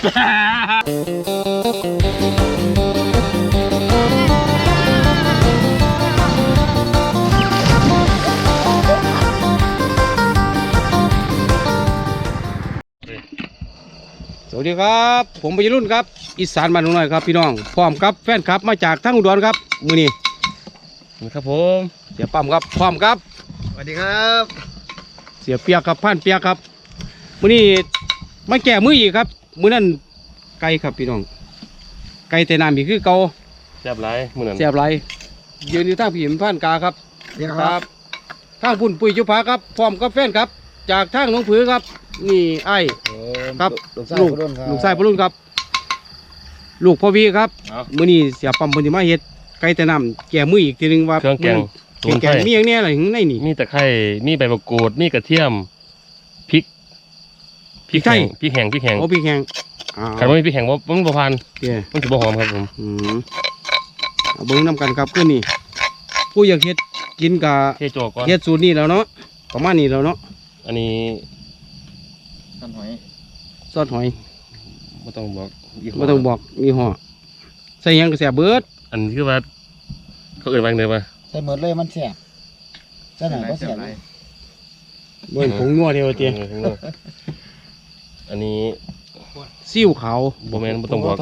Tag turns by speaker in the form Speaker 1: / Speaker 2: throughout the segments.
Speaker 1: สวัสดีครับผมวัยรุ่นครับอีสานบ้านหน่อยครับพี่น้องพร้อมครับแฟนครับมาจากทั้งอุดรครับมือนี้
Speaker 2: ครับผม
Speaker 1: เสียปั๊มครับพร้อมครับ
Speaker 3: สวัสดีครับ
Speaker 1: เสียเปียกครับผ่านเปียกครับมือนี้มาแก่มืออีกครับมือนั้นไก่ครับพี่น้องไก่แต่น้ำอีกคือเก่า
Speaker 2: แซ่บไรมือนั้น
Speaker 1: แซ่บไรยืนอยู่ทางผีมผ่านกาครับครับทางพุ่นปุ๋ยจุภาครับพร้อมกับแฟนครับจากทางหนองผือครับนี่ไอ้ครับลูกชายพรุ่นครับลูกพ่อวีครับมื้อนี้เสียปั๊มเพิ่นสิมาเฮ็ดไก่แต่น้ำแก่มืออีกทีนึงว่า
Speaker 2: เครื่องแกง
Speaker 1: แกงมีอย่างเนี้ยอะไรถึงในนี่
Speaker 2: มีตะไคร้มีใบมะกรูดมีกระเทียมพริกแห้งโอ้พริกแห้งขันว่ามีพริกแห้งว่ามันบ่พันมันถือบ่หอมครับผม
Speaker 1: เอาเบิ้งน้ำกันครับขึ้นนี่ผู้อยากเฮ็ดกินกับ
Speaker 2: เ
Speaker 1: ฮ็ดสูตรนี่แล้วเนาะประมาณนี้แล้วเนาะ
Speaker 2: อันนี้
Speaker 1: ซอสหอย
Speaker 2: ไม่ต้องบอก
Speaker 1: ยี่ห้อใส่ยังกระแสเบิด
Speaker 2: อันนี้คือว่าเขาเอ่ยว่าไงวะ
Speaker 3: ใส่หมดเลยมันแสบใส่หน่อยก็แสบเลย
Speaker 1: เบิ้งผงนัวเดียวเตี้ย
Speaker 2: อันนี้
Speaker 1: ซิ่วขาว
Speaker 2: บ่แม่นบ่ต้องบอก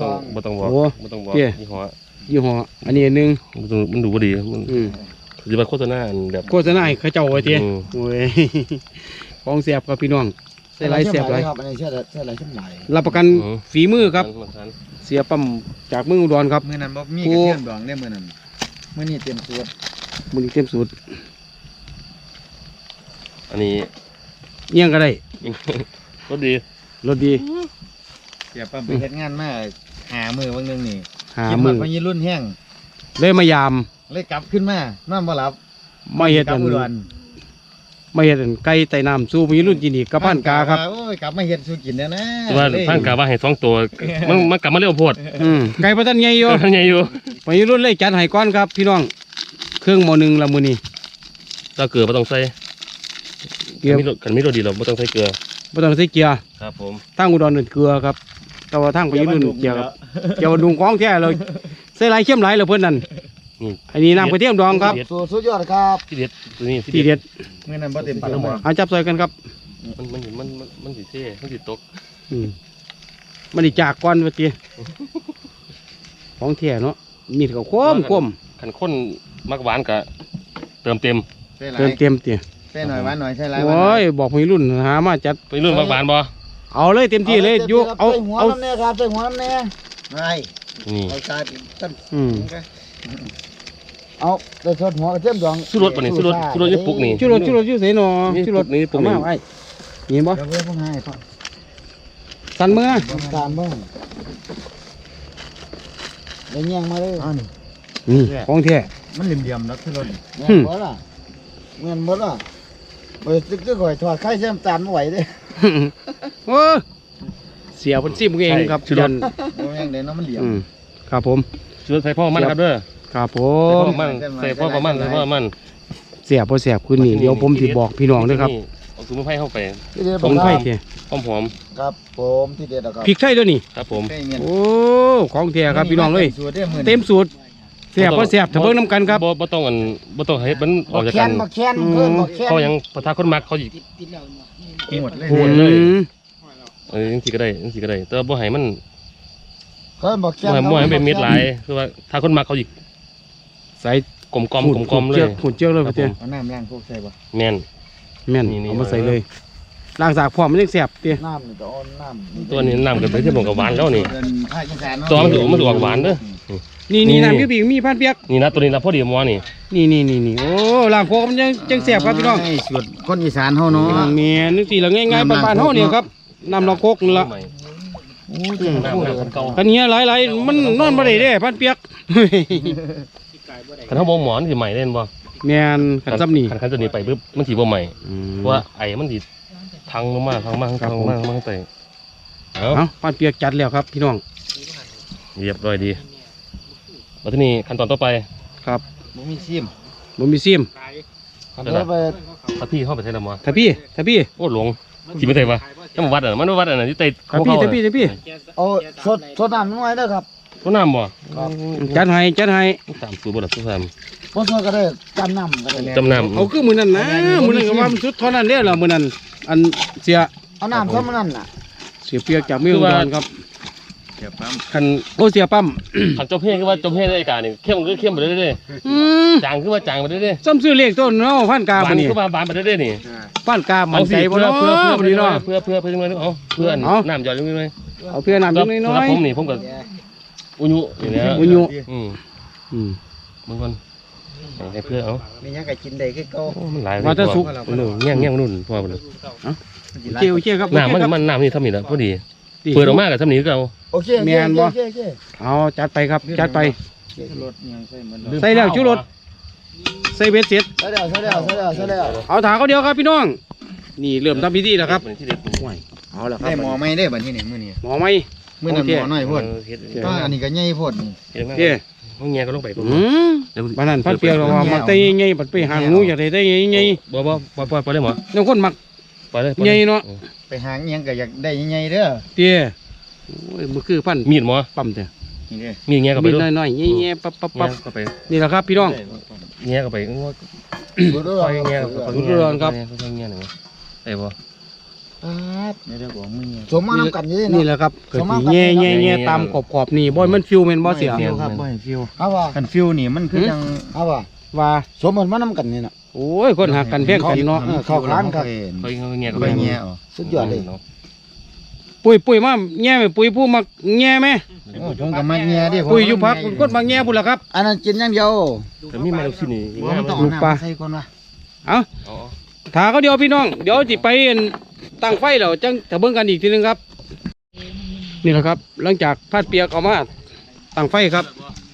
Speaker 2: ยี่
Speaker 1: ห้ออันนี้นึง
Speaker 2: มันดูบ่ดีมันหรือว่าโฆษณาแบบ
Speaker 1: โฆษณาให้เขาเจ้าไว้เตี้ยโอ้ยของแสบครับพี่น้องใส่ไรแสบไร
Speaker 3: ครับอันนี้ใส่ไรขึ้นไหล
Speaker 1: รับประกันฝีมือครับเสียปั๊มจากเมืองอุดรครับ
Speaker 3: มือนั้นบ่มีกระเทียมดองได้มือนั้นมือนี้เต็มสูตร
Speaker 2: อันนี้
Speaker 1: เยี่ยงก็ได้
Speaker 2: รสดี
Speaker 3: เสียปั๊มไปเฮ็ดงานมาหามือบางนึงนี่
Speaker 1: กินหมด
Speaker 3: พอยี่รุ่นแห้ง
Speaker 1: เลยมายาม
Speaker 3: เลยกลับขึ้นมานอนบ่หลับ
Speaker 1: ไม่เฮ็ดไก่ไต่น้ำสู้มีรุ่นกินอีกกับพันกาครับ
Speaker 3: กลับมาเฮ็ดสู้กินนะ
Speaker 2: ว่าพันกาว่าให้2ตัวมันกลับมาเร็วโพด
Speaker 1: ไก่ประทันใหญ่อยู่มีรุ่นเลยจัดให้ก้อนครับพี่น้องเครื่องหม้อนึงละมื้อนี้
Speaker 2: ถ้าเกลือบ่ต้องใส่เกลือกันมีรสดีเราบ่ต้องใส่เกลือครับผม
Speaker 1: ทางอุดรเกลือครับแต่ว่าทางไปรุ่นเกลือครับเกลือดุงของแท้เลยใส่หลายเข้มหลายเลยเพิ่นนั่นอันนี้น้ำกระเทียมดองครับ
Speaker 3: สุดยอดครับ
Speaker 2: ที่เด็ดตัวนี้
Speaker 1: ที่เด็ด
Speaker 3: เมื่อนั้นบ่เต็มปากแล้ว
Speaker 1: เอาจับใส่กันครับ
Speaker 2: มันสิเท่มันสิตก
Speaker 1: มันดิจากก้อนว่าติของแท้เนาะมีแต่ข้ม
Speaker 2: ขันข้นมักหวานกะเติมเต็ม
Speaker 1: ติ
Speaker 3: ใส่หน่อยหวานหน่อยใส่หลาย
Speaker 1: โอ้ยบอกพี่รุ่นหามาจัด
Speaker 2: พี่รุ่นมักหวานบ่
Speaker 1: เอาเลยเต็มที่เลยยุเอา
Speaker 3: น้ำแน่ครับใส่หัวน้ำแน่ไม่
Speaker 2: นี่
Speaker 3: เอาชาติต้นเอาไปทอดหัวกระเทียมดอง
Speaker 2: สู้รถป่ะนี่สู้รถยี่ปุกนี่
Speaker 1: สู้รถยู่เสนอสู้รถ
Speaker 2: นี่ปุก
Speaker 1: นี่ไอ้เห็นบ่สั่นมือ
Speaker 3: สั่นบ้างเลี้ยงมาเลย
Speaker 1: นี่ของแท้
Speaker 3: มันเหลี่ยมๆนะที่รถเงี้ยหมดละไปตึกๆก่อยถอดไข่เส้นตาลไม่ไหวเลย
Speaker 1: โอ้เสียคนซิมเองครับ
Speaker 3: ยันยังเด่นน้ำมันเหลี่ยม
Speaker 1: ครับผม
Speaker 2: ช่วยใส่พ่อมันครับเด้อ
Speaker 1: ครับผม
Speaker 2: ใส่พ่อมัน
Speaker 1: เสียบคืนนี้เดี๋ยวผมจะบอกพี่น้องด้วยครับ
Speaker 2: เอาถุงไผ่เข้าไป
Speaker 1: ถุงไผ่เตี้ย
Speaker 2: หอม
Speaker 3: ครับผมที่เด็ดครับ
Speaker 1: พริกไทยด้วยนี่
Speaker 2: ครับผม
Speaker 1: โอ้ของแท้ครับพี่น้องเลยเต็มสูตรเสียบถ้าเบิ่งน้ำกันครับ
Speaker 2: บ่ต้องให้มันออกจากกันเขายังประทาคนมักเขาหยิบ
Speaker 3: หมดเลย
Speaker 2: ยังสิก็ได้แต่บ่ให้มัน
Speaker 3: บ่
Speaker 2: ให้เป็นเม็ดหลายคือว่าถ้าคนมักเขาหยิบ
Speaker 1: ใส่
Speaker 2: กลมเลย
Speaker 1: หุ่นเจียวเลยพี่เตี้ย
Speaker 3: เอาน้ำล้างพวกใส่บ่
Speaker 1: แม่นเอามาใส่เลยล้างสากพร้อมมันยังแสบเตี้ย
Speaker 3: น้ำนี่ต้องน้ำ
Speaker 2: ตัวนี้น้ำกับไปที่ผมกับหวานแล้วนี่ตัวมันออกหวานเด้อ
Speaker 1: นี่น้ำยูบีมีพันเปียก
Speaker 2: นี่นะตัวนี้นะพอดีมัวนี่
Speaker 1: โอ้ล้างโคกมันยังแสบครับพี่น้อง
Speaker 3: สูตรคนอีสานเฮาเนาะ
Speaker 1: แม่นึกสิละง่ายๆบ้านๆเฮาเนี่ยครับน้ำล้างโคกนี่ละกันเนี้ยหลายมันนอนบ่ได้เด้พันเปียก
Speaker 2: คันเฮาบ่หมอนสิใหม่เล่นบ่
Speaker 1: แม่นคันซ้ำนี่
Speaker 2: คันตัวนี้ไปปึ๊บมันสิบ่ใหม่เพราะว่าไอ้มันสิพังลงมามันไป
Speaker 1: เอาพันเปียกจัดแล้วครับพี่น้อง
Speaker 2: เรียบร้อยดีมาที่นี่ขั้นตอนต่อไป
Speaker 1: ครับ
Speaker 3: บ่มีซิม
Speaker 2: ถ้าพี่เข้าไปใช้ละมั้ง
Speaker 1: ถ้าพี่
Speaker 2: โอ้หลงกินไม่ได้ปะจังวัดอ่ะมันวัดอ่ะที่ไต่
Speaker 1: ครับพี่แต่พี่
Speaker 3: เอาสดน้ำน้อยเด้อครับ
Speaker 2: ต้นน้ำบ่
Speaker 1: จัดให้
Speaker 2: ตามสูตรบ่ล่ะทุกท่าน
Speaker 3: บ่สดก็ได้จำน้ำก็ได้
Speaker 2: จำน้ำ
Speaker 1: เอาคือมื้อนั้นนะมื้อนั้นก็ว่ามันสุดเท่านั้นเด้อล่ะมื้อนั้นอันเสีย
Speaker 3: เอาน้ำเท่านั้นน่ะ
Speaker 1: เสียเปียกจากเมืองอุดรครับ
Speaker 2: คัน
Speaker 1: โอ้เสียปั๊ม
Speaker 2: คันจมเพ่คือว่าจมเพ่ได้การนี่เข้มคือเข้มไปเรื่อย
Speaker 1: อืม
Speaker 2: ๆจางคือว่าจางไปเรื่อย
Speaker 1: ซ้ำซื้อเลขต้นเนาะพันกา
Speaker 2: ๆบา
Speaker 1: บั
Speaker 2: น
Speaker 1: ดนี้
Speaker 2: คือว่าบานไปเรื่อยๆนี่
Speaker 1: พันกามันใจบ่เนาะ
Speaker 2: เพื่อ
Speaker 1: บัดนี้เนาะ
Speaker 2: เพื่อจังเลยเอาเพื่อนน้ำหยอดจังเลย
Speaker 1: เอาเพื่อน้ำจังน้อย
Speaker 2: ผมนี่ผมก็อุญุอย่างเงี้ย
Speaker 1: อุญุ
Speaker 2: อืมบางคนให้เพื่อเอา
Speaker 3: มีหยังก็กินได้คือเก่า
Speaker 2: มันหลาย
Speaker 1: ว่าจะสุก
Speaker 2: เงี้ยงนุ่นพอไปเลย
Speaker 1: เจียวครับ
Speaker 2: น้ำมันน้ำนี่ทำนี่แล้วพอดีเปิดออกมากับทำนี่ก็เอา
Speaker 3: โอเค
Speaker 1: เอาจัดไปครับจัดไป
Speaker 3: รถยังใส่มัน
Speaker 1: ใส่แล้วชูรสใส่เบ็ดเสร็จ
Speaker 3: ใส่แล้ว
Speaker 1: เอาถาเขาเดียวครับพี่น้อง นี่เริ่มทำพิธีแล้วครับ
Speaker 2: ที่เด็ด
Speaker 1: เอาละครั
Speaker 3: ได้
Speaker 1: บ
Speaker 3: หมอไม่ได้บัดนี้นี่มื้อนี้
Speaker 1: หมอไหม
Speaker 3: มื้อนั้นหมอน้อยพุ่น
Speaker 2: ก็
Speaker 3: อันนี้ก็ใหญ่พุ่น
Speaker 1: เจ้
Speaker 2: ห้องเงี้ยก็ลงไป
Speaker 1: บ้านนั้นพันเปียกเราว่ามักได้ไงบัดไปหางูอยากได้ไง
Speaker 2: บ่ไปเลยหมอ
Speaker 1: น้องคนมัก
Speaker 2: ไปเลย
Speaker 1: ไงเนาะ
Speaker 3: ไปหาหยังก็อยากได้ใหญ่ๆเด้อ
Speaker 1: เตี้ยโอ้ยมันคือพัน
Speaker 2: มีดหมอ
Speaker 1: ปั๊มเตี้ย
Speaker 3: นี่เด้อ
Speaker 2: มีเงี้ยก็ไป
Speaker 1: มี
Speaker 2: ด้วย
Speaker 1: น้อยๆเงี้ยปั๊บ
Speaker 2: ก็ไป
Speaker 1: นี่แหละครับพี่น้อง
Speaker 2: เงี้ยก็ไป
Speaker 3: ดูดู
Speaker 2: ไปเงี้ยก็ไปเงี้ยหนึ่งไอ้บ่
Speaker 3: นี่เด้อบ่มื้อนี้สมมานํกันอยู่
Speaker 1: นี่
Speaker 3: นี่
Speaker 1: แห
Speaker 3: เนาะ
Speaker 1: ละครับเกิดแง่ตามขอบนี่บ่มันฟิวแม่นบ่เสีย
Speaker 3: ฟิวครับบ่ให้ฟิวเอาว่าคันฟิวนี่มันคือจังเอาว่า
Speaker 1: ว่า
Speaker 3: สมมันมานํกันนี่น่ะ
Speaker 1: โอ้ยคนหักกันแพงกันเนาะ
Speaker 3: เข้าค้านครับ
Speaker 2: ไปเงี้ยก็
Speaker 3: ไป
Speaker 2: ไป
Speaker 3: แง่สุดยอดเลย
Speaker 1: ปุ้ยมาแง่ไหมปุ้ยผู้มักแง่ไหม
Speaker 3: ผมก็มาแง่ดิ
Speaker 1: ปุ้ยอยู่พักคนมักแง่พุ่นล่ะครับ
Speaker 3: อันนั้นกินอย่างเดียว
Speaker 2: แต่มีมาลูกชิ้นนี่
Speaker 3: มันต้องเอาน้ำใส่ก่อนวะ
Speaker 1: เอาถาเขาเดียวพี่น้องเดี๋ยวสิไปตั้งไฟแล้วจังถ้าเบิ่งกันอีกทีนึงครับ นี่แหละครับ หลังจากพัดเปียกออกมาตั้งไฟครับ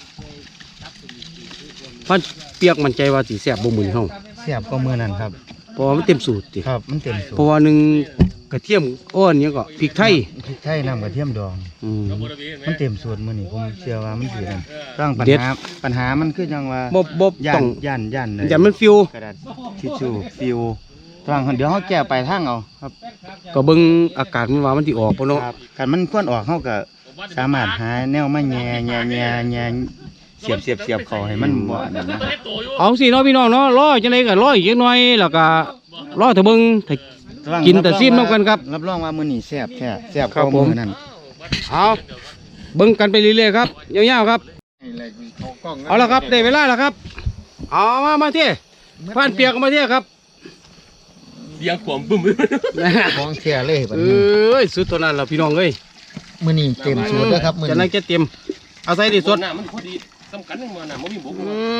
Speaker 1: พัดเปียกมันใจว่าสิแซ่บบ่มื้อเฮา
Speaker 3: เสียบก็มือนั่นครับ
Speaker 1: เพราะว่ามันเต็มสูตรติ
Speaker 3: ครับมันเต็มสู
Speaker 1: เพราะว่าหนึ่งกระเทียมอ้อนเนี่ยก็พริกไทย
Speaker 3: พริกไทยน้ำกระเทียมดอง
Speaker 1: อืม
Speaker 3: มันเต็มสูตรมื้อนี้ผมเชื่อว่ามันสินั่นตั้งปัญ
Speaker 1: เด็ด
Speaker 3: หามันคือจังว่า
Speaker 1: บ่
Speaker 3: ย่า
Speaker 1: ต้อน ง
Speaker 3: ย่านเลย
Speaker 1: อย่ามันฟิว
Speaker 3: กระดาษทิชชู่ฟิวต้องเดี๋ยวเฮาแก้ไปทางเอาครับ
Speaker 1: ก็เบิ่งอากาศมันว่ามันสิออกบ่เนาะ
Speaker 3: ครับคันมันควรออกเฮาก็สามารถหาแนวมาแย่เสียบเข้าให้มันบ่อันนั้นนะ
Speaker 1: เอาสิเนาะพี่น้องเนาะรอจังได๋ก็รออีกจักหน่อยแล้วก็รอถ้าเบิ่งถ้า กินแต่ซิมนำกันครับ
Speaker 3: รับรองว่ามื้อนี้แซ่บแท้แซ่บ
Speaker 1: ครับ
Speaker 3: กว่า
Speaker 1: ผม
Speaker 3: มื้อนั้น
Speaker 1: เอาเบิ่งกันไปเรื่อยๆครับยาวๆครับเอาละครับได้เวลาแล้วครับเอามาเที่ผ่านเปียกมาเที่ครับ
Speaker 2: เลี้ยงขวมบึ้ม
Speaker 3: ของแท้เลยบัด
Speaker 1: เอ
Speaker 3: นี้
Speaker 1: ้ยสุดเท่านั้นล่ะพี่น้องเอ้ย
Speaker 3: มื้อนี้เต็มสูตรเด้อครับมื้อ
Speaker 1: จะนั่
Speaker 3: นี้
Speaker 1: งจะเตรียมเอาใส่ดิสด
Speaker 2: น้ำมันพอดีสำคัญนึงมันน้ำมันมีบุก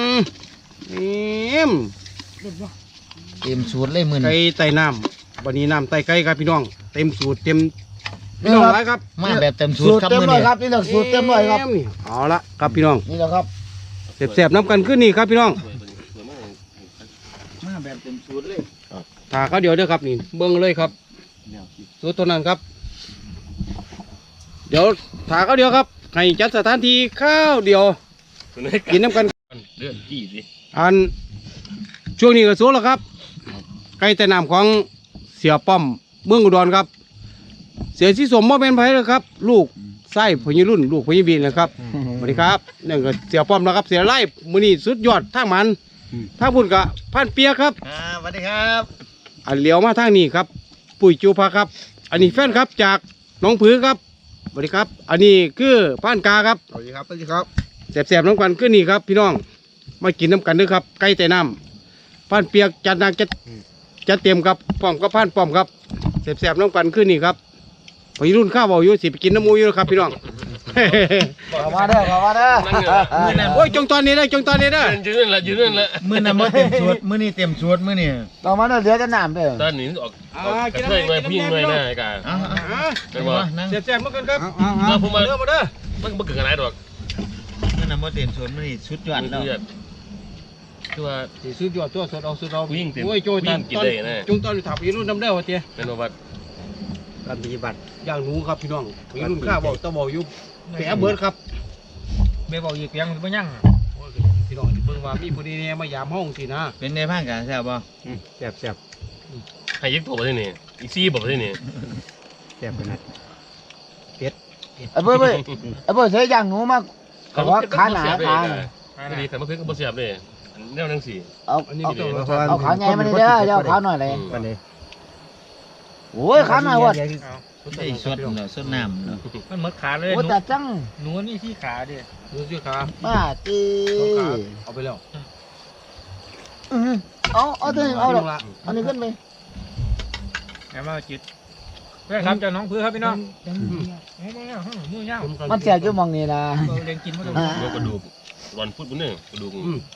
Speaker 1: นี่ม
Speaker 3: เต็มสูตรเลยมื้อ
Speaker 1: ไก่
Speaker 3: นี้
Speaker 1: ไต่น้ำวันนี้น้ำไต่ไก่ครับพี่น้องเต็มสูตรเต็มพี่น้องไรครับ
Speaker 3: มาแบบเต็มสูตรครับมื้อนี้ครับนี่แหละสูตรเต็มเลยครับ
Speaker 1: นี่เอาละครับพี่น้อง
Speaker 3: นี่แหละครับ
Speaker 1: แสบๆน้ำกันขึ้นนี่ครับพี่น้อง
Speaker 3: มาแบบเต็มสูตรเลย
Speaker 1: ถาเขาเดียวเด้อครับนี่เบิ้งเลยครับสูตรตัวนั้นครับ เดี๋ยวถาเขาเดียวครับให้จัดสถานที่ข้าวเดียวกินน้ำกัน
Speaker 2: เลื่อนจี้สิ
Speaker 1: อันช่วงนี้ก็สูตรแล้วครับไก่แต่น้ำของเสียป้อมเมืองอุดรครับ เสียชีสมบ่เป็นไผเลยครับ ลูกไส้พญรุ่นลูกพญวีนะครับสวัสดีครับนั่นก็เสียป้อมนะครับ เสียไล่มือนี่สุดยอดทางมันทางพุ่นกะพันเปียครับ
Speaker 3: สวัสดีครับ
Speaker 1: อันเหลียวมาทางนี้ครับ ปุ๋ยจูพาครับ อันนี้แฟนครับจากหน้องผือครับสวัสดีครับ อันนี้คือพันกาครับ
Speaker 3: สวัสดีครับสวัสดีครับ
Speaker 1: แสบๆน้ำกันขึ้นนี่ครับ พี่น้องมากินน้ำกันด้วยครับไก่แต่น้ำพันเปียกจัดหนักจัดเต็มครับป้อมกับพันป้อมครับแสบๆน้ำกันขึ้นนี่ครับพอรุ่นข้าวบอกอยู่สิไปกินน้ำมูอยู่แล้วครับพี่น้อง
Speaker 3: เข้ามาเด้อเข้ามาเด้อ
Speaker 1: โอ้ยจงตอนนี้ได้จงตอนนี้ได้
Speaker 2: ยืนนั่นละยืนนั่นละ
Speaker 3: มื้อนั้นบ่เต็มสูตรมื้อนี้เต็มสูตรมื้อนี้เข้ามาเด้อเหลือแต่น้ำเด้อ
Speaker 2: ตอนนี้ออกกระเทยหน่อยผู้หญิงหน่อยนะไอ้กาเป็นว่า
Speaker 1: แสบๆเหมือนกันครับ
Speaker 2: มาผมมา
Speaker 1: เด้อมาเด้อ
Speaker 2: มันเกิดอะไรดอก
Speaker 3: มื้อนั้นบ่เต็มสูตรมื้อนี้สุดยอดแล้ว
Speaker 2: คือว่า
Speaker 1: สิสุดยอดตัวสดเอาสุดเอา
Speaker 2: วิ่งเต็ม
Speaker 1: โอ้ยโจยตอน
Speaker 2: วิ่งกินได้แน่
Speaker 1: จงตอนอยู่ถับพอรุ่นน้ำเด้อวะเตี้ย
Speaker 2: เป็นว่า
Speaker 1: การปฏิบัติอย่างหนูครับพี่น้องพอรุ่นข้าวบอกต้องบอกอยู่แผลเบิดครับ
Speaker 3: ไม่บอกอีกยังบ่ยัง
Speaker 1: โอ้ยพี่น้องเบิ่งว่ามีผู้ดีเนี่ยมายามห้องสินะ
Speaker 3: เป็นในพังกันแซ่บบ่
Speaker 1: แซ่บ
Speaker 2: ให้ยึดตัวไปที่นี่อีซี่บอกไปที่นี่
Speaker 1: แซ่บขนาด
Speaker 3: ไอ้เบ้ยไอ้เบ้ยใช้ย่างหนูมากแต่ว่าขาหนาขา
Speaker 2: ดีขันมะเขือก็บ่เสียบเลยแนวนังสี
Speaker 3: เอาขาใหญ่มาเลยเด้อเดี๋ยวขาหน่อยเลย
Speaker 1: ปันนี้
Speaker 3: โอ้ยขาหน่อยวัด
Speaker 4: ไอ้สดเนาะสดน้ำเนาะ
Speaker 5: มันหมดขาเลย
Speaker 3: โอ้แต่จัง
Speaker 5: หนูนี่ที่ขาดิ
Speaker 1: ดูสิขา
Speaker 3: ป้าตี
Speaker 1: เอาไปแล้ว
Speaker 3: เอาตัวนี้เอาดอกอันนี้ขึ้นไป
Speaker 5: แม่มาจิตเพื่อนครับเจ้าน้องเพื่อครับพี่น้องมือย่าง
Speaker 3: มันแสบจุ่มองนี่นะ
Speaker 5: เลี้ยงกินมาตรง
Speaker 2: โยกกระดูกวันพุธมื้อนึงกระดูก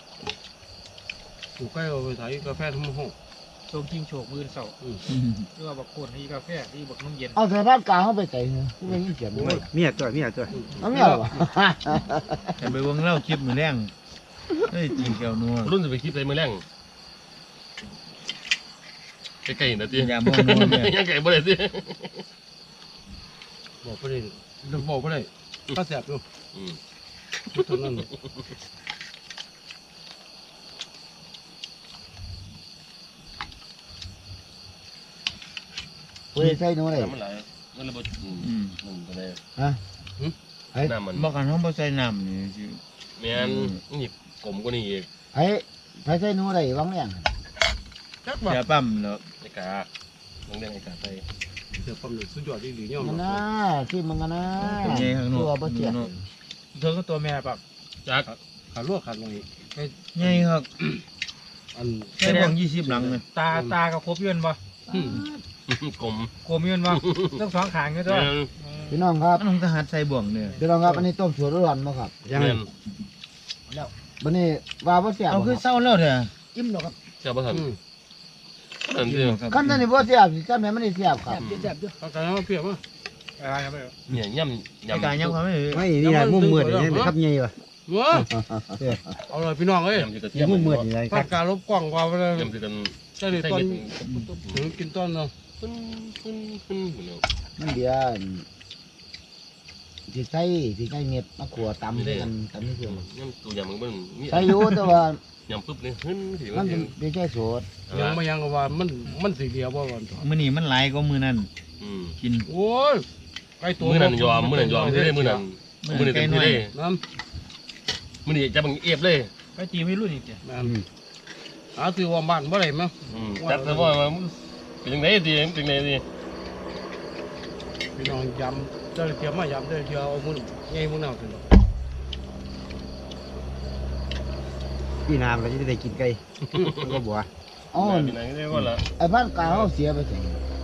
Speaker 1: ถูกใกล้เอาไปถ่ายกาแฟทุ่มห้อง
Speaker 5: โชคจริงโชคมือเสาเพื่อบักโคนที่กาแฟที่บักน้ำเย็น
Speaker 3: เอาใส่บ้านกลางเข้าไปใส่เนื้อไม่ยินเสียงเลย
Speaker 1: เมียตัว
Speaker 3: เอาไม่เอา
Speaker 4: แต่ไปวงเล่าคลิปมือแรงเฮ้ยจริงแก้วนัว
Speaker 2: รุ่นจะไปคลิปใส่มื้อแรงใกล้ๆนะติ
Speaker 4: ยามองนัวเนี่ย
Speaker 2: ยังไก่บ่ได้ติ
Speaker 1: บอกไปเลยบอกไปเลยก็แซ่บอยู่เท่านั้น
Speaker 3: เฮ้ยใส่หนูเลย
Speaker 2: มันหลายมันระเบิดมันก็ได้
Speaker 3: ฮะ
Speaker 2: น้ำมัน
Speaker 4: บอกกันห้องบ่ใส่น้ำนี่สิ
Speaker 2: แม่นนี่กลมกว่านี้อีก
Speaker 3: ไอ้ใส่หนูเลยวังเนี่ย
Speaker 1: จักว่า
Speaker 4: เสียปั๊มเนาะ
Speaker 2: ไอ้กาต้องเรียกไอ้กาใส่
Speaker 1: เดี๋ยวความสุดยอดดีๆเนี่ย
Speaker 3: มันนะที่มันกันนะ
Speaker 4: ใหญ่ข้างนอก
Speaker 3: ตัวบ่เสีย
Speaker 5: เธอก็ตัวแม่ปัก
Speaker 2: จัก
Speaker 1: ขาลวกขาดหน่อย
Speaker 4: ใหญ่ครับ
Speaker 1: อัน
Speaker 4: ใส่บ่ง20หลังเลย
Speaker 5: ตากับครบยืนบ่
Speaker 2: กลม
Speaker 5: โกมยืนบ่ต้องสองขางกันด้วย
Speaker 3: พี่น้องครับ
Speaker 4: มันต้องทหารใส่บ่วงเนี่ย
Speaker 3: พี่น้องครับอันนี้ต้มถั่วร้อนมาครับ
Speaker 1: ยัง
Speaker 2: แม่น
Speaker 3: วันนี้ว่าบ่เสียบ
Speaker 4: เอาคือเศร้าแล้วเด้อ
Speaker 3: อิ่มหรอกครับ
Speaker 2: เจ้าบ่ทันนั่นสิ
Speaker 3: ขั้นตอนนี้บ่เสียบสิขั้นแม่มันนี่เสียบครับ
Speaker 1: เอาการมาเปรียบมั้ย
Speaker 5: อะไรครับ
Speaker 2: เนี่ยย่ำ
Speaker 4: ไอ้กายยังเขาไม่
Speaker 1: ไม่นี่แหละมุมมืดนี่ครับใหญ่ว่ะว้าเอาเลยพี่น้องเอ้ย
Speaker 2: ย่ำอยู่กับเทียม
Speaker 1: มุมมืดนี่เลยพัดการลบกล้องว่าไปเลย
Speaker 2: ย่ำอยู่กัน
Speaker 1: ใช่เลยตอนกินต้นเนาะ
Speaker 2: ขึ้นเนาะ
Speaker 3: มันเดี๋ยวสิใส่เม็ดมะขัวตำกันตำนี่คือ
Speaker 2: ย่ำตัวยำมันมี
Speaker 3: ใส่อยู่แต่ว่า
Speaker 2: ย่ำปุ๊บนี่ขึ้นสิ
Speaker 3: มันเป็นแค่โสด
Speaker 1: ยังไม่ยังก็ว่ามันสีเดียวว่าวัน
Speaker 4: มื้อนี้มันหลายกว่ามื้อนั้นกิน
Speaker 1: โอ้ยไก่ตัว
Speaker 2: มื้อนั้นยอมมื้อนั้นที่ได้มื้อนั้นมื้อนี้เต็มที่เลย
Speaker 1: น้
Speaker 2: มื้อนี้จะบังเอียบเลย
Speaker 5: ก็จีไม่รู้นี่จ้ะ
Speaker 1: ำนั่นหาซื้อว่าบ้านบ่ได้มั้ง
Speaker 2: จัดซะว่าเป็นจังได๋ดีเป็นจังได๋ดี
Speaker 1: พี่น้องยำเจ้าเทียมมายำเจ้าเทียมเอามือไงมือหนาวสิ
Speaker 6: พี่น้ำเราจะได้กินไก่ก็บัว
Speaker 3: อ๋อ
Speaker 2: เป็นจังได๋ว่าล่ะ
Speaker 3: ไอ้บ้านกลางเขาเสียไปสิ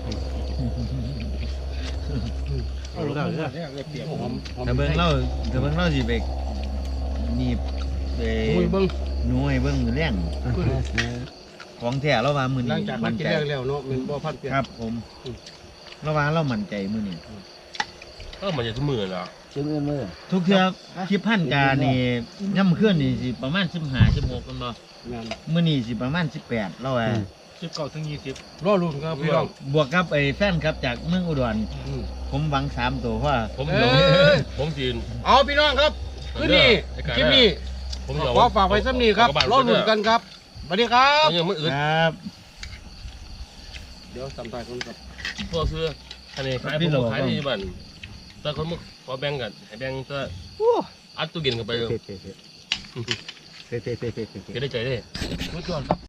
Speaker 1: เอาได้เลยเปียกหอม
Speaker 4: แต่เบิ่งเล่าสิไปนี่ไป
Speaker 1: มือเบิ้ง
Speaker 4: หน่วยเบิ่งมื้อแรงของแท้เราว่ามื้อ
Speaker 1: หลั
Speaker 4: นี้
Speaker 1: งจากมันกิน
Speaker 4: ใจ
Speaker 1: แล้วเนาะมันบ่พันเปลี่ยน
Speaker 4: ครับผมเราว่าเรามั่นใจมื้อนี้
Speaker 2: ก็มันจะทุกมื้อล่ะ
Speaker 3: ซื้อมือ
Speaker 4: ทุกเทื่อคลิปพันกานี่ย่ำขึ้นนี่สิประมาณ15 16กันบ่
Speaker 1: งาน
Speaker 4: มื้อนี้สิประมาณ18เราว่า
Speaker 5: 19 ถึง 20
Speaker 1: รอรุ่นครับพี่น้อง
Speaker 4: บวกกับไอ้แฟนครับจากเมืองอุดรผมหวัง3ตัวเพราะว่า
Speaker 2: ผมสิ
Speaker 1: เอาพี่น้องครับคืนนี้คลิปนี้
Speaker 2: ผม
Speaker 1: ขอฝากไว้ซ้ำนี้ครับรอรุ่นกันครับสวัสดีครับ
Speaker 2: ยังมื้ออื่น
Speaker 4: ครับ
Speaker 1: เดี๋ยวสัมภาษณ์คนกับ
Speaker 2: พวกซื้ออันนี้ขายผมขายที่บ้านแต่คนมาขอแบ่งกันให้แบ่งก็อัดตู้เย็นกันไป
Speaker 6: เผ็ด
Speaker 2: ก็ได้ใจได้
Speaker 1: ทุกคนครับ